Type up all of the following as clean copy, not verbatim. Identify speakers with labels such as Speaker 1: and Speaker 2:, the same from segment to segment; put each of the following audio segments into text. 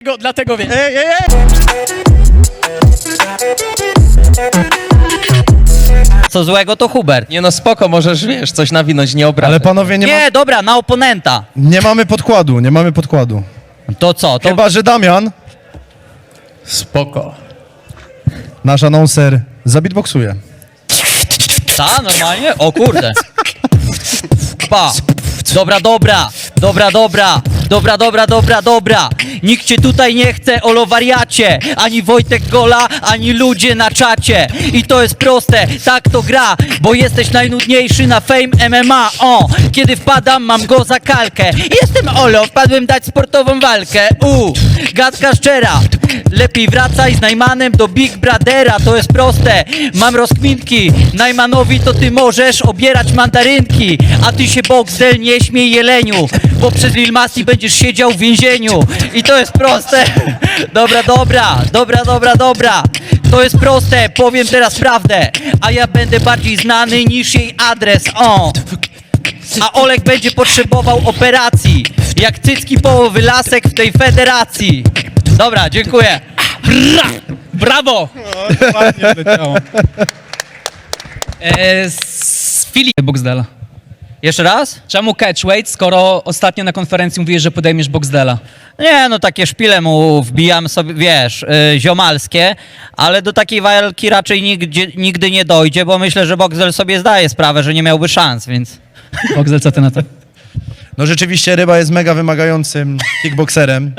Speaker 1: Dlatego wiem.
Speaker 2: Ej!
Speaker 3: Co złego to Hubert.
Speaker 1: Nie no, spoko, możesz, wiesz, coś nawinąć, nie obrażać.
Speaker 2: Ale panowie,
Speaker 3: Nie, dobra, na oponenta.
Speaker 2: nie mamy podkładu, nie mamy podkładu.
Speaker 3: To co? To
Speaker 2: Chyba, że Damian,
Speaker 1: Spoko.
Speaker 2: nasz anonser, zabitboksuje.
Speaker 3: ta, normalnie? O kurde. Pa. Dobra. Nikt cię tutaj nie chce, olo wariacie. Ani Wojtek Gola, ani ludzie na czacie. I to jest proste, tak to gra, bo jesteś najnudniejszy na Fame MMA. O, kiedy wpadam, mam go za kalkę. Jestem Olo, wpadłem dać sportową walkę. Gadka szczera. Lepiej wracaj z Najmanem do Big Brothera, to jest proste. Mam rozkminki, Najmanowi to ty możesz obierać mandarynki. A ty się Boxdel nie śmiej jeleniu, bo przez Lil Masti będziesz siedział w więzieniu. I to jest proste. Dobra. To jest proste, powiem teraz prawdę. A ja będę bardziej znany niż jej adres. O. A Olek będzie potrzebował operacji, jak cycki połowy lasek w tej federacji. Dobra, dziękuję.
Speaker 1: Brawo!
Speaker 4: Ładnie leciało. Z Filip Boxdela.
Speaker 3: Jeszcze raz?
Speaker 4: Czemu catchweight, skoro ostatnio na konferencji mówiłeś, że podejmiesz Boxdela?
Speaker 3: Nie, no takie szpile mu wbijam sobie, wiesz, ziomalskie, ale do takiej walki raczej nigdy nie dojdzie, bo myślę, że Boxdel sobie zdaje sprawę, że nie miałby szans, więc...
Speaker 4: Boxdel, co ty na to?
Speaker 2: No rzeczywiście Ryba jest mega wymagającym kickbokserem.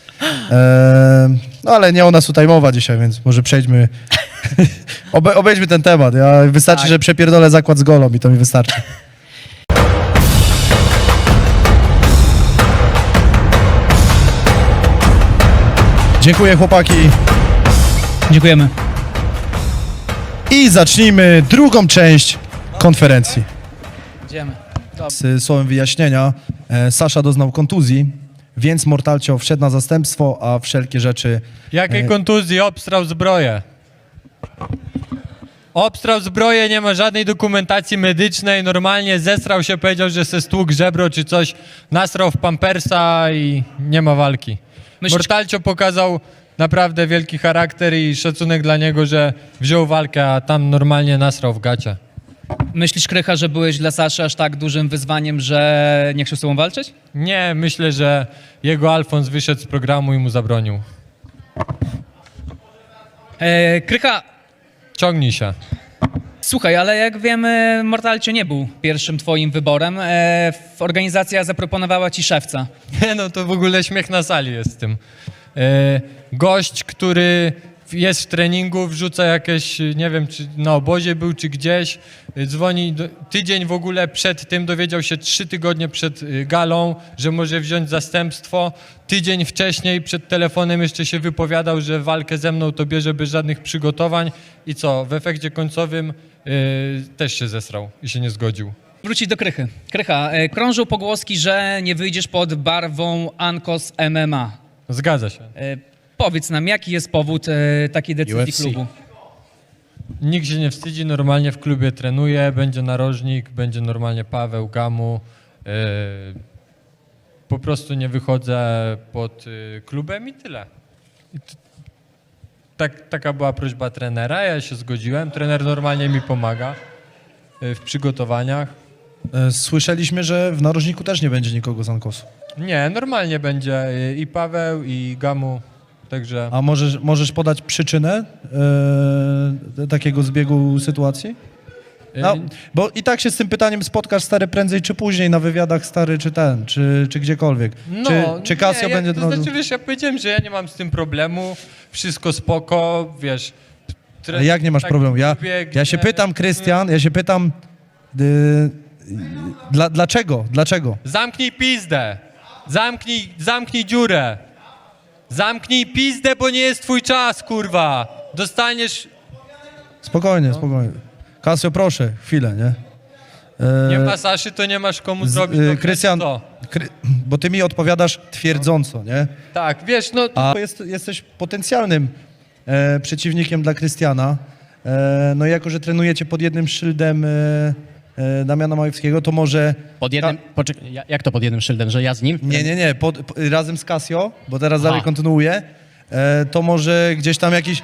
Speaker 2: No ale nie o nas tutaj mowa dzisiaj, więc może przejdźmy, obejdźmy ten temat. Wystarczy, że przepierdolę zakład z golą i to mi wystarczy. Dziękuję chłopaki
Speaker 4: Dziękujemy.
Speaker 2: i zacznijmy drugą część konferencji.
Speaker 4: Idziemy.
Speaker 2: Z słowem wyjaśnienia, Sasza doznał kontuzji, więc Mortalcio wszedł na zastępstwo, a wszelkie rzeczy...
Speaker 5: Jakiej kontuzji? Obstrał zbroję. Obstrał zbroję, nie ma żadnej dokumentacji medycznej, normalnie zesrał się, powiedział, że se stłukł żebro czy coś, nasrał w pampersa i nie ma walki. Mortalcio pokazał naprawdę wielki charakter i szacunek dla niego, że wziął walkę, a tam normalnie nasrał w gacie.
Speaker 4: Myślisz, Krycha, że byłeś dla Saszy aż tak dużym wyzwaniem, że nie chciał z tobą walczyć?
Speaker 5: Nie, myślę, że jego Alfons wyszedł z programu i mu zabronił.
Speaker 4: Krycha,
Speaker 5: Ciągnij się.
Speaker 4: słuchaj, ale jak wiemy, Mortalcio nie był pierwszym twoim wyborem. Organizacja zaproponowała ci szewca.
Speaker 5: Nie, no to w ogóle śmiech na sali jest z tym. Gość, który jest w treningu, wrzuca jakieś, nie wiem, czy na obozie był, czy gdzieś, dzwoni, tydzień w ogóle przed tym, dowiedział się 3 tygodnie przed galą, że może wziąć zastępstwo. Tydzień wcześniej przed telefonem jeszcze się wypowiadał, że walkę ze mną to bierze bez żadnych przygotowań i co, w efekcie końcowym też się zesrał i się nie zgodził.
Speaker 4: Wrócić do Krychy. Krycha, krążą pogłoski, że nie wyjdziesz pod barwą Ankos MMA.
Speaker 5: Zgadza się.
Speaker 4: Powiedz nam, jaki jest powód takiej decyzji
Speaker 2: UFC.
Speaker 4: klubu?
Speaker 5: Nikt się nie wstydzi, normalnie w klubie trenuje, będzie narożnik, będzie normalnie Paweł, Gamu. Po prostu nie wychodzę pod klubem i tyle. Taka była prośba trenera, ja się zgodziłem. Trener normalnie mi pomaga w przygotowaniach.
Speaker 2: Słyszeliśmy, że w narożniku też nie będzie nikogo z Ankosu.
Speaker 5: Nie, normalnie będzie i Paweł, i Gamu, także...
Speaker 2: A możesz podać przyczynę takiego zbiegu sytuacji? No, bo i tak się z tym pytaniem spotkasz, stary, prędzej czy później na wywiadach, stary, czy gdziekolwiek. Czy Casio
Speaker 5: nie,
Speaker 2: będzie...
Speaker 5: To znaczy, wiesz, ja powiedziałem, że ja nie mam z tym problemu, wszystko spoko, wiesz...
Speaker 2: Ale jak nie masz
Speaker 5: tak
Speaker 2: problemu? Ja
Speaker 5: biegnie.
Speaker 2: się pytam, Krystian, dlaczego? Dlaczego?
Speaker 5: Zamknij pizdę! Zamknij dziurę! Zamknij pizdę, bo nie jest twój czas, kurwa! Dostaniesz...
Speaker 2: Spokojnie. Casio, proszę, chwilę, nie?
Speaker 5: Nie ma Saszy, to nie masz komu zrobić. to
Speaker 2: Krystian,
Speaker 5: co?
Speaker 2: bo ty mi odpowiadasz twierdząco, nie?
Speaker 5: Tak, wiesz, no...
Speaker 2: A jesteś potencjalnym przeciwnikiem dla Krystiana. No i jako, że trenujecie pod jednym szyldem Damiana Majewskiego, to może...
Speaker 1: Pod jednym... jak to pod jednym szyldem, że ja z nim?
Speaker 2: Nie, razem z Casio, bo teraz dalej kontynuuję, to może gdzieś tam jakiś...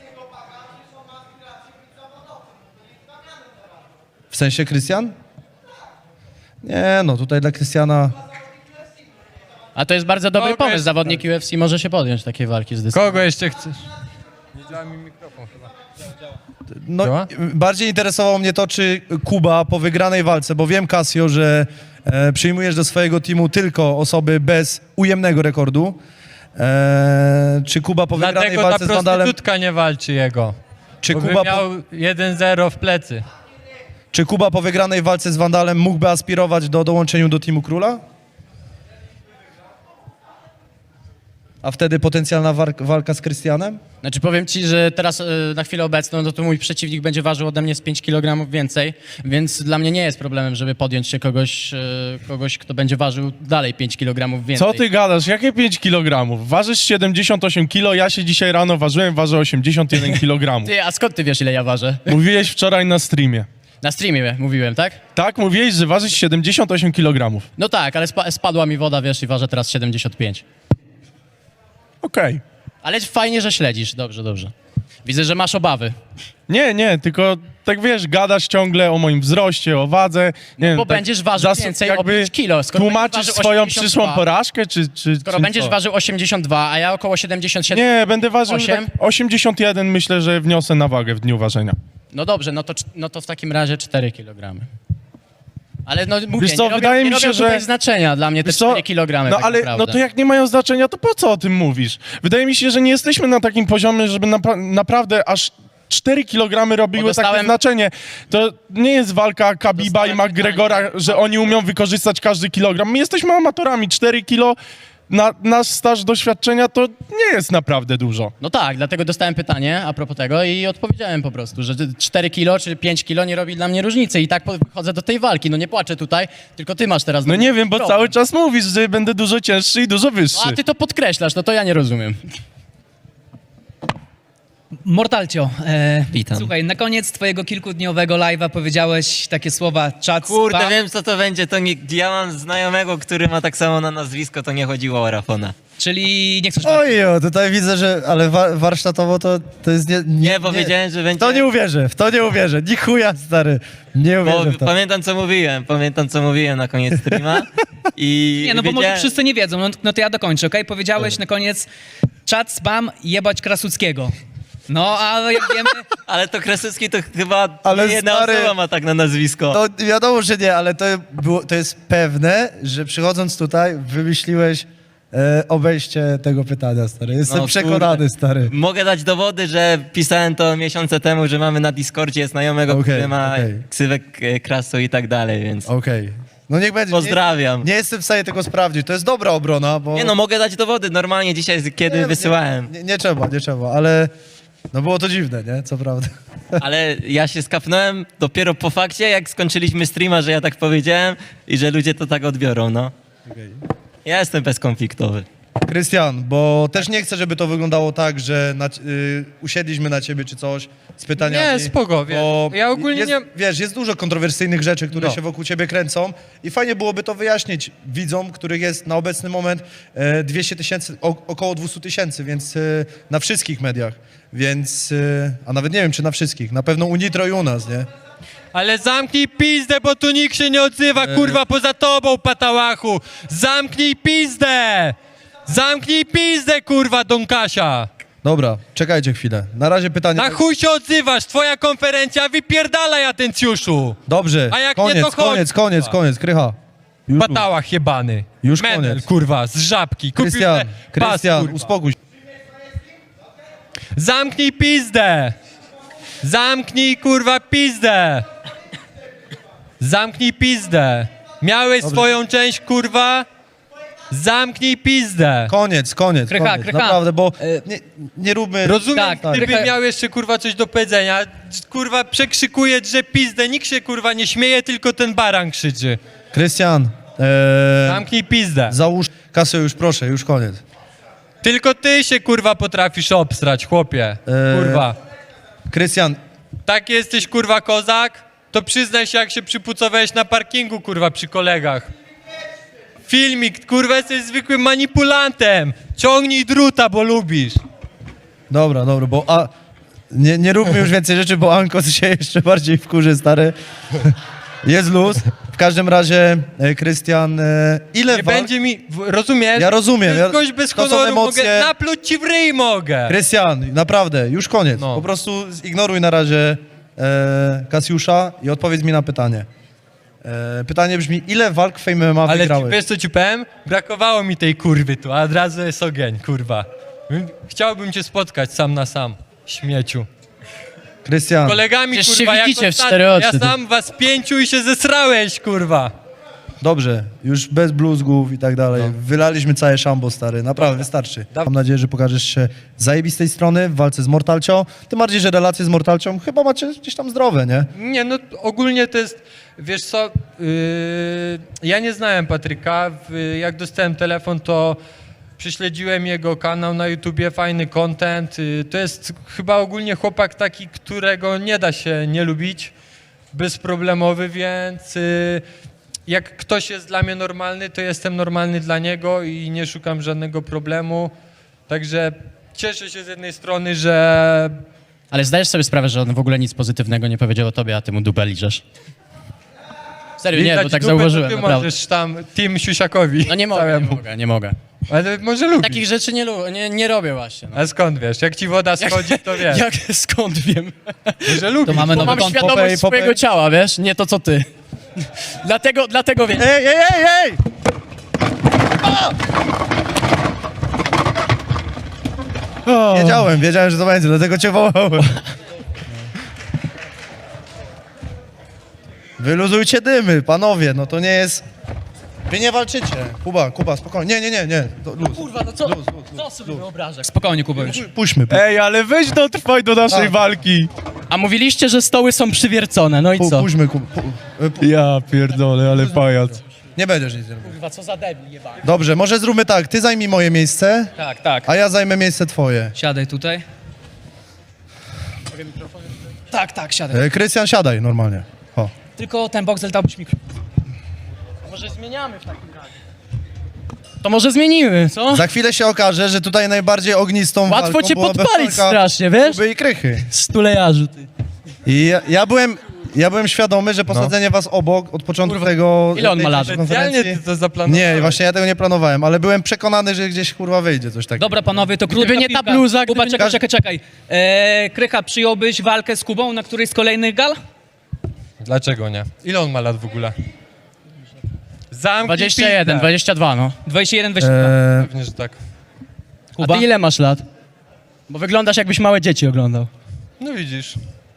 Speaker 2: W sensie Krystian? Nie, no tutaj dla Krystiana...
Speaker 1: A to jest bardzo dobry
Speaker 5: Kogo
Speaker 1: pomysł.
Speaker 5: jest-
Speaker 1: Zawodnik UFC może się podjąć takiej walki z dystansem.
Speaker 5: Kogo jeszcze chcesz? Nie działa mi mikrofon chyba.
Speaker 2: No,
Speaker 5: Działa?
Speaker 2: bardziej interesowało mnie to, czy Kuba po wygranej walce, bo wiem, Casio, że przyjmujesz do swojego teamu tylko osoby bez ujemnego rekordu. Czy Kuba po wygranej
Speaker 5: Dlatego ta
Speaker 2: walce z Wandalem...
Speaker 5: prostytutka nie walczy jego.
Speaker 2: Czy
Speaker 5: Bo by
Speaker 2: Kuba,
Speaker 5: miał 1-0 w plecy.
Speaker 2: czy Kuba po wygranej walce z Wandalem mógłby aspirować do dołączenia do teamu Króla? A wtedy potencjalna walka z Krystianem?
Speaker 1: Znaczy powiem ci, że teraz na chwilę obecną no to mój przeciwnik będzie ważył ode mnie z 5 kg więcej, więc dla mnie nie jest problemem, żeby podjąć się kogoś, kto będzie ważył dalej 5 kg więcej.
Speaker 6: Co ty gadasz? Jakie 5 kg? Ważysz 78 kg, ja się dzisiaj rano ważyłem, ważę 81 kg.
Speaker 1: Ty, a skąd ty wiesz, ile ja ważę?
Speaker 6: Mówiłeś wczoraj na streamie.
Speaker 1: Na streamie mówiłem, tak?
Speaker 6: Tak, mówiłeś, że ważysz 78 kg.
Speaker 1: No tak, ale spadła mi woda, wiesz, i ważę teraz 75.
Speaker 6: Okej.
Speaker 1: Ale fajnie, że śledzisz. Dobrze, dobrze. Widzę, że masz obawy.
Speaker 6: Nie, tylko tak wiesz, gadasz ciągle o moim wzroście, o wadze. Nie wiem,
Speaker 1: bo
Speaker 6: tak
Speaker 1: będziesz ważył więcej o 5 kilo. Skoro
Speaker 6: Tłumaczysz
Speaker 1: będziesz ważył
Speaker 6: swoją
Speaker 1: 82,
Speaker 6: przyszłą porażkę, czy
Speaker 1: Skoro
Speaker 6: czy
Speaker 1: będziesz
Speaker 6: co?
Speaker 1: ważył 82, a ja około 77...
Speaker 6: Nie, będę ważył
Speaker 1: 8?
Speaker 6: tak 81, myślę, że wniosę na wagę w dniu ważenia.
Speaker 1: No dobrze, no to w takim razie 4 kg. Ale no mówię,
Speaker 6: Wiesz co,
Speaker 1: nie robią,
Speaker 6: wydaje
Speaker 1: nie
Speaker 6: mi się,
Speaker 1: robią tutaj
Speaker 6: że-
Speaker 1: znaczenia dla mnie te
Speaker 6: Wiesz co?
Speaker 1: 4 kg.
Speaker 6: No
Speaker 1: tak
Speaker 6: ale
Speaker 1: naprawdę.
Speaker 6: no to jak nie mają znaczenia, to po co o tym mówisz? Wydaje mi się, że nie jesteśmy na takim poziomie, żeby naprawdę aż 4 kg robiły
Speaker 1: Bo dostałem-
Speaker 6: takie znaczenie. To nie jest walka Khabiba i
Speaker 1: Dostałem
Speaker 6: McGregora, że oni umią wykorzystać każdy kilogram. My jesteśmy amatorami. 4 kilo na nasz staż doświadczenia to nie jest naprawdę dużo.
Speaker 1: No tak, dlatego dostałem pytanie a propos tego i odpowiedziałem po prostu, że 4 kilo czy 5 kilo nie robi dla mnie różnicy i tak podchodzę do tej walki. No nie płaczę tutaj, tylko ty masz teraz...
Speaker 6: No nie wiem, bo
Speaker 1: problem.
Speaker 6: cały czas mówisz, że będę dużo cięższy i dużo wyższy.
Speaker 1: No, a ty to podkreślasz, no to ja nie rozumiem.
Speaker 4: Mortalcio,
Speaker 7: Witam.
Speaker 4: słuchaj, na koniec twojego kilkudniowego live'a powiedziałeś takie słowa czat
Speaker 7: Kurde,
Speaker 4: spam,
Speaker 7: wiem co to będzie, to nie, ja mam znajomego, który ma tak samo na nazwisko, to nie chodziło o Rafona.
Speaker 4: czyli nie chcesz...
Speaker 2: Ojo, tutaj widzę, że... Ale warsztatowo to jest...
Speaker 7: Nie, bo wiedziałem, że
Speaker 2: W
Speaker 7: będzie...
Speaker 2: to nie uwierzę, w to nie uwierzę. Ni chuja, stary. Nie
Speaker 7: Bo
Speaker 2: uwierzę w to.
Speaker 7: pamiętam co mówiłem na koniec streama i
Speaker 4: Nie, no bo może
Speaker 7: wiedziałem-
Speaker 4: wszyscy nie wiedzą, no to ja dokończę, okej? Powiedziałeś na koniec czat spam jebać Krasuckiego. No, a jak wiemy...
Speaker 7: Ale to Krasucki to chyba
Speaker 2: Ale
Speaker 7: nie jedna
Speaker 2: stary-
Speaker 7: osoba ma tak na nazwisko.
Speaker 2: No wiadomo, że nie, ale to jest pewne, że przychodząc tutaj wymyśliłeś obejście tego pytania, stary. Jestem
Speaker 7: No,
Speaker 2: przekonany,
Speaker 7: kurde.
Speaker 2: stary.
Speaker 7: Mogę dać dowody, że pisałem to miesiące temu, że mamy na Discordzie znajomego,
Speaker 2: Okej,
Speaker 7: który ma
Speaker 2: okej.
Speaker 7: ksywek Krasu i tak dalej, więc
Speaker 2: Okej. No niech będzie.
Speaker 7: pozdrawiam.
Speaker 2: Nie jestem w stanie tego sprawdzić. To jest dobra obrona, bo...
Speaker 7: Nie no, mogę dać dowody normalnie dzisiaj, kiedy wysyłałem.
Speaker 2: Nie trzeba, ale... No było to dziwne, nie? Co prawda.
Speaker 7: Ale ja się skapnąłem dopiero po fakcie, jak skończyliśmy streama, że ja tak powiedziałem i że ludzie to tak odbiorą, no. Ja jestem bezkonfliktowy.
Speaker 2: Krystian, bo też nie chcę, żeby to wyglądało tak, że usiedliśmy na ciebie czy coś z pytaniami.
Speaker 5: Nie, spoko, wiesz.
Speaker 2: bo
Speaker 5: Ja ogólnie
Speaker 2: jest,
Speaker 5: nie-
Speaker 2: Wiesz, jest dużo kontrowersyjnych rzeczy, które
Speaker 5: No.
Speaker 2: się wokół ciebie kręcą i fajnie byłoby to wyjaśnić widzom, których jest na obecny moment 200 000, około 200 000, więc na wszystkich mediach. Więc, a nawet nie wiem, czy na wszystkich. Na pewno u Nitro i u nas, nie?
Speaker 5: Ale zamknij pizdę, bo tu nikt się nie odzywa, kurwa, poza tobą, patałachu! Zamknij pizdę! Zamknij pizdę, kurwa, Don Kasia!
Speaker 2: Dobra, czekajcie chwilę. Na razie pytanie...
Speaker 5: Na chuj się odzywasz, twoja konferencja, wypierdalaj, atencjuszu!
Speaker 2: Dobrze,
Speaker 5: A jak nie,
Speaker 2: koniec,
Speaker 5: to chodź,
Speaker 2: koniec, Krycha. Już,
Speaker 5: Patałach jebany.
Speaker 2: Już
Speaker 5: Menel,
Speaker 2: koniec.
Speaker 5: kurwa, z żabki. Kupił
Speaker 2: Krystian,
Speaker 5: te pas,
Speaker 2: Krystian,
Speaker 5: kurwa.
Speaker 2: uspokój się.
Speaker 5: Zamknij pizdę! Zamknij, kurwa, pizdę! Zamknij pizdę! Miałeś swoją część, kurwa? Zamknij pizdę!
Speaker 2: Koniec.
Speaker 4: Krycha.
Speaker 2: Naprawdę, bo nie róbmy...
Speaker 5: Rozumiem,
Speaker 4: Tak,
Speaker 5: gdyby
Speaker 4: trochę-
Speaker 5: miał jeszcze, kurwa, coś do powiedzenia. Kurwa, przekrzykuje, że pizdę. Nikt się, kurwa, nie śmieje, tylko ten baran krzyczy.
Speaker 2: Krystian,
Speaker 5: Zamknij pizdę.
Speaker 2: załóż kasę już, proszę, już koniec.
Speaker 5: Tylko ty się, kurwa, potrafisz obstrać, chłopie. Kurwa.
Speaker 2: Krystian,
Speaker 5: Tak jesteś, kurwa, kozak? to przyznaj się, jak się przypucowałeś na parkingu, kurwa, przy kolegach. Filmik, kurwa, jesteś zwykłym manipulantem. Ciągnij druta, bo lubisz.
Speaker 2: Dobra, bo nie róbmy już więcej rzeczy, bo Ankos się jeszcze bardziej wkurzy, stary. Jest luz. W każdym razie, Krystian, ile
Speaker 5: Nie
Speaker 2: walk...
Speaker 5: będzie mi, rozumiesz?
Speaker 2: Ja rozumiem,
Speaker 5: To jest gość bez
Speaker 2: to są
Speaker 5: honoru,
Speaker 2: emocje.
Speaker 5: mogę napluć ci w ryj mogę.
Speaker 2: Krystian, naprawdę, już koniec.
Speaker 5: No.
Speaker 2: Po prostu zignoruj na razie Kasiusza i odpowiedz mi na pytanie. Pytanie brzmi, ile walk w Fame MMA
Speaker 5: Ale
Speaker 2: wygrałeś?
Speaker 5: wiesz co ci powiem? Brakowało mi tej kurwy tu, a od razu jest ogień, kurwa. Chciałbym cię spotkać sam na sam, śmieciu.
Speaker 2: Krystian,
Speaker 5: Kolegami,
Speaker 1: Przecież
Speaker 5: kurwa,
Speaker 1: się
Speaker 5: jak
Speaker 1: widzicie w
Speaker 5: ostatnio.
Speaker 1: 4 oczy,
Speaker 5: Ja
Speaker 1: ty.
Speaker 5: sam was 5 i się zesrałeś, kurwa.
Speaker 2: dobrze, już bez bluzgów i tak dalej. Wylaliśmy całe szambo, stary, naprawdę wystarczy. Mam nadzieję, że pokażesz się z zajebistej strony w walce z Mortalcią. Tym bardziej, że relacje z Mortalcią chyba macie gdzieś tam zdrowe, nie?
Speaker 5: Nie, no ogólnie to jest, wiesz co, ja nie znałem Patryka, jak dostałem telefon, to prześledziłem jego kanał na YouTubie, fajny content, to jest chyba ogólnie chłopak taki, którego nie da się nie lubić, bezproblemowy, więc jak ktoś jest dla mnie normalny, to jestem normalny dla niego i nie szukam żadnego problemu, także cieszę się z jednej strony, że
Speaker 1: Ale zdajesz sobie sprawę, że on w ogóle nic pozytywnego nie powiedział o tobie, a ty mu dupę liżesz? Serio, nie,
Speaker 5: widać
Speaker 1: bo tak
Speaker 5: dupę, to
Speaker 1: zauważyłem,
Speaker 5: ty
Speaker 1: naprawdę.
Speaker 5: możesz tam Team Siusiakowi.
Speaker 1: No nie mogę,
Speaker 5: całemu.
Speaker 1: nie mogę.
Speaker 5: Ale może lubisz.
Speaker 1: Takich rzeczy nie robię właśnie. No.
Speaker 5: A skąd wiesz? Jak ci woda schodzi, to wiesz.
Speaker 1: Jak, skąd wiem?
Speaker 5: Że lubisz.
Speaker 3: To mamy
Speaker 1: Bo
Speaker 3: nowy
Speaker 1: mam
Speaker 3: kąt.
Speaker 1: świadomość
Speaker 2: Popej.
Speaker 1: swojego ciała, wiesz? Nie to, co ty. Dlatego wiem.
Speaker 2: Ej! Wiedziałem, że to będzie, dlatego cię wołałem. Wyluzujcie dymy, panowie, no to nie jest... Wy nie walczycie. Kuba, spokojnie. Nie. To luz.
Speaker 1: Kurwa, no co sobie wyobrażasz?
Speaker 4: Spokojnie, Kuba, już.
Speaker 2: Puśćmy.
Speaker 6: Ej, ale weź dotrwaj do naszej
Speaker 2: Tak.
Speaker 6: walki.
Speaker 1: A mówiliście, że stoły są przywiercone, no i co?
Speaker 2: Puśćmy,
Speaker 6: Ja pierdolę, ale pajac.
Speaker 2: Nie będziesz nic robił.
Speaker 1: Kurwa, co za debil jebany.
Speaker 2: Dobrze, może zróbmy tak, ty zajmij moje miejsce,
Speaker 4: Tak.
Speaker 2: a ja zajmę miejsce twoje.
Speaker 4: Siadaj tutaj. Tak, siadaj.
Speaker 2: Krystian, siadaj normalnie. O.
Speaker 4: Tylko ten boxel dałbyś mi...
Speaker 1: Może zmieniamy w takim razie. To może zmienimy, co?
Speaker 2: Za chwilę się okaże, że tutaj najbardziej ognistą
Speaker 1: Łatwo
Speaker 2: walką
Speaker 1: cię
Speaker 2: byłaby
Speaker 1: podpalić
Speaker 2: walka
Speaker 1: strasznie, wiesz?
Speaker 2: Kuby i Krychy.
Speaker 1: Stulejarzu, ty.
Speaker 2: I ja byłem świadomy, że posadzenie was obok od początku
Speaker 1: Kurwa,
Speaker 2: tego...
Speaker 1: ile on ma
Speaker 2: tej
Speaker 1: lat?
Speaker 2: konferencji-
Speaker 5: Specjalnie ty to zaplanowałeś.
Speaker 2: Nie, właśnie ja tego nie planowałem, ale byłem przekonany, że gdzieś kurwa wyjdzie coś takiego.
Speaker 4: Dobra, panowie, to krótka
Speaker 1: Gdyby nie ta
Speaker 4: piłka.
Speaker 1: bluza,
Speaker 4: Kuba,
Speaker 1: gdyby nie-
Speaker 4: czekaj. Krycha, przyjąłbyś walkę z Kubą na którejś z kolejnych gal?
Speaker 5: Dlaczego nie? Ile on ma lat w ogóle? Zamknij
Speaker 1: 21,
Speaker 5: pizdę.
Speaker 1: 22, no.
Speaker 4: 21, 22.
Speaker 5: Pewnie, że tak.
Speaker 1: A
Speaker 4: Kuba?
Speaker 1: ty ile masz lat? Bo wyglądasz, jakbyś małe dzieci oglądał.
Speaker 5: No widzisz.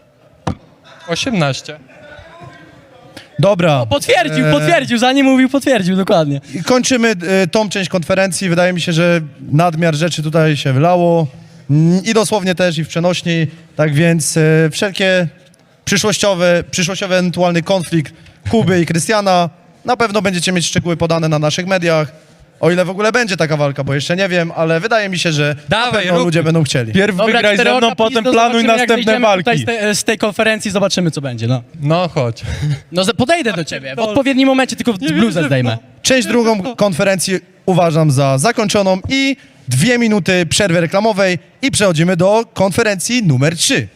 Speaker 5: 18.
Speaker 2: Dobra.
Speaker 1: Potwierdził, zanim mówił, potwierdził, dokładnie.
Speaker 2: I kończymy tą część konferencji. Wydaje mi się, że nadmiar rzeczy tutaj się wylało. I dosłownie też, i w przenośni. Tak więc wszelkie przyszłościowy ewentualny konflikt Kuby i Krystiana na pewno będziecie mieć szczegóły podane na naszych mediach. O ile w ogóle będzie taka walka, bo jeszcze nie wiem, ale wydaje mi się, że
Speaker 5: Dawaj,
Speaker 2: na pewno
Speaker 5: rób.
Speaker 2: ludzie będą chcieli.
Speaker 6: Pierw wygraj ze
Speaker 1: czterooka
Speaker 6: mną, potem
Speaker 1: pizdo,
Speaker 6: planuj
Speaker 1: zobaczymy, jak
Speaker 6: następne
Speaker 1: wyjdziemy tutaj
Speaker 6: walki.
Speaker 1: z tej konferencji, zobaczymy, co będzie, no.
Speaker 5: No chodź.
Speaker 1: No, podejdę do ciebie, w odpowiednim momencie tylko bluzę zdejmę.
Speaker 2: Część drugą konferencji uważam za zakończoną i 2 minuty przerwy reklamowej i przechodzimy do konferencji numer 3.